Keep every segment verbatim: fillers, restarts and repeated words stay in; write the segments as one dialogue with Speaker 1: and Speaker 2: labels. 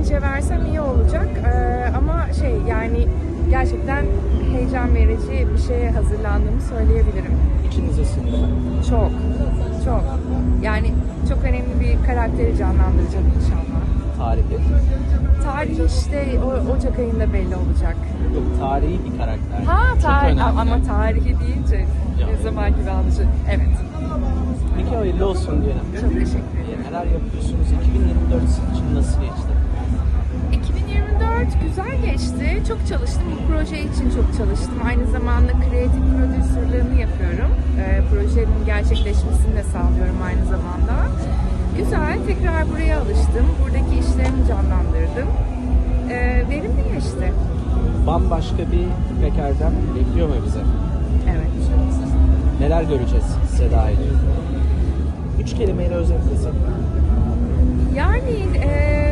Speaker 1: önce versem iyi olacak. Ee, ama şey yani gerçekten heyecan verici bir şeye hazırlandığımı söyleyebilirim.
Speaker 2: İçiniz ısındı mı?
Speaker 1: Çok, çok. Yani çok önemli bir karakteri canlandıracağım inşallah.
Speaker 2: Tarihi.
Speaker 1: Tarih işte o, Ocak ayında belli olacak.
Speaker 2: Yok, tarihi bir karakter.
Speaker 1: Ha
Speaker 2: Çok
Speaker 1: tarih
Speaker 2: önemli.
Speaker 1: ama tarihi deyince
Speaker 2: Ya.
Speaker 1: ne zaman gibi anlaşılır. Evet.
Speaker 2: Peki hayırlı olsun diyelim.
Speaker 1: Çok teşekkür ederim.
Speaker 2: Neler yapıyorsunuz? iki bin yirmi dört sizin için nasıl geçti?
Speaker 1: iki bin yirmi dört güzel geçti. Çok çalıştım. Bu proje için çok çalıştım. Aynı zamanda kreatif prodüsörlüğünü yapıyorum. Ee, projenin gerçekleşmesini de sağlıyorum aynı zamanda. Güzel. Tekrar buraya alıştım. Buradaki işlerimi canlandırdım. Ee, verimli geçti.
Speaker 2: Bambaşka bir İpek Erdem bekliyor mu bize?
Speaker 1: Evet.
Speaker 2: Neler göreceğiz Seda ile? Üç kelimeyle özetlesek.
Speaker 1: Yani e,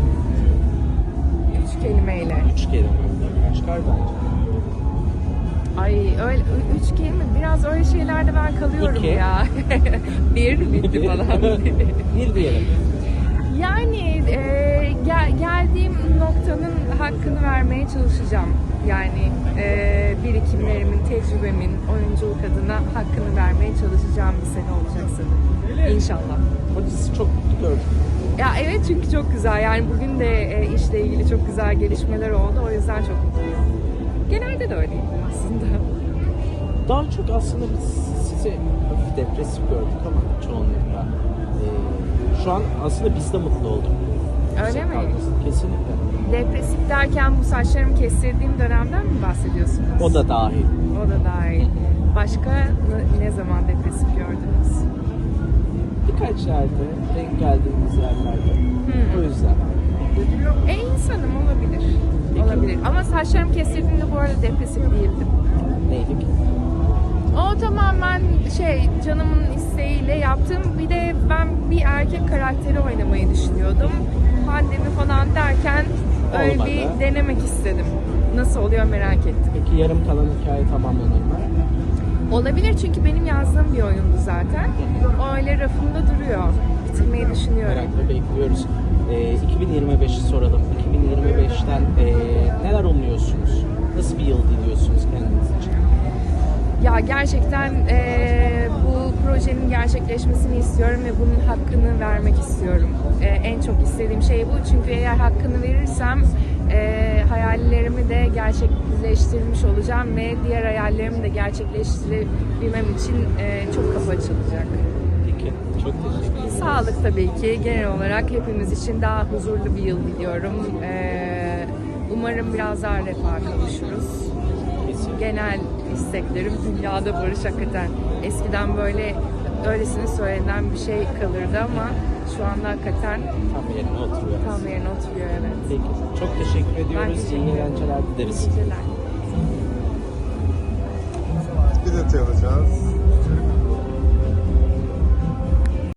Speaker 1: üç kelimeyle.
Speaker 2: Üç kelime. Çıkar bence.
Speaker 1: Ay öyle ü- üç kelime. Biraz öyle şeylerde ben kalıyorum
Speaker 2: İki.
Speaker 1: ya. Bir bitti falan.
Speaker 2: Bir diyelim.
Speaker 1: Yani e, gel, geldiğim noktanın hakkını vermeye çalışacağım. Yani e, birikimlerimin, tecrübemin, oyunculuk adına hakkını vermeye çalışacağım bir sene olacak sanırım. İnşallah.
Speaker 2: O dizi çok mutlu gördüm.
Speaker 1: Ya evet çünkü çok güzel. Yani bugün de e, işle ilgili çok güzel gelişmeler oldu. O yüzden çok mutluyum. Genelde de öyleyim aslında.
Speaker 2: Daha çok aslında biz sizi hafif depresif gördük ama çoğunlukla. Ee, şu an aslında biz de mutlu olduk.
Speaker 1: Öyle mi?
Speaker 2: Kesinlikle.
Speaker 1: Depresif derken bu saçlarımı kestirdiğim dönemden mi bahsediyorsunuz?
Speaker 2: O da dahil.
Speaker 1: O da dahil. Başka ne, ne zaman depresif gördünüz?
Speaker 2: Birkaç yerde denk geldiğimiz yerlerde.
Speaker 1: Hmm.
Speaker 2: O yüzden.
Speaker 1: E insanım olabilir.
Speaker 2: Peki.
Speaker 1: Olabilir. Ama saçlarımı kestirdiğimde bu arada depresif değildim.
Speaker 2: Neydik?
Speaker 1: O tamamen şey canımın isteğiyle yaptım. Bir de ben bir erkek karakteri oynamayı düşünüyordum. Pandemi falan derken öyle
Speaker 2: Olmadı.
Speaker 1: bir denemek istedim. Nasıl oluyor merak ettim.
Speaker 2: Peki yarım kalan hikaye tamamlanır mı?
Speaker 1: Olabilir çünkü benim yazdığım bir oyundu zaten. O öyle rafımda duruyor. Bitirmeyi düşünüyorum.
Speaker 2: Merakla bekliyoruz. Ee, iki bin yirmi beşi soralım. iki bin yirmi beşten ee, neler umuyorsunuz? Nasıl bir yıl diliyorsunuz kendiniz için?
Speaker 1: Ya gerçekten eee, bu projenin gerçekleşmesini istiyorum ve bunun hakkını vermek istiyorum. Eee, en çok istediğim şey bu çünkü eğer hakkını verirsem eee, hayallerimi de gerçekleştirmiş olacağım ve diğer hayallerimi de gerçekleştirebilmem için eee, çok kapı açılacak.
Speaker 2: Peki. Çok teşekkür ederim.
Speaker 1: Sağlık tabii ki genel olarak hepimiz için daha huzurlu bir yıl diliyorum. Eee, umarım biraz daha refaha kavuşuruz.
Speaker 2: Kesin.
Speaker 1: Genel isteklerim dünyada barış hakikaten. Eskiden böyle öylesine söylenen bir şey kalırdı ama şu anda hakikaten
Speaker 2: Tam yerine oturuyor.
Speaker 1: tam yerine oturuyor evet.
Speaker 2: Peki. Çok teşekkür ediyoruz.
Speaker 1: teşekkür
Speaker 2: İyi
Speaker 1: ederim.
Speaker 2: eğlenceler dileriz.
Speaker 1: İyi geceler.
Speaker 3: Bir detay alacağız.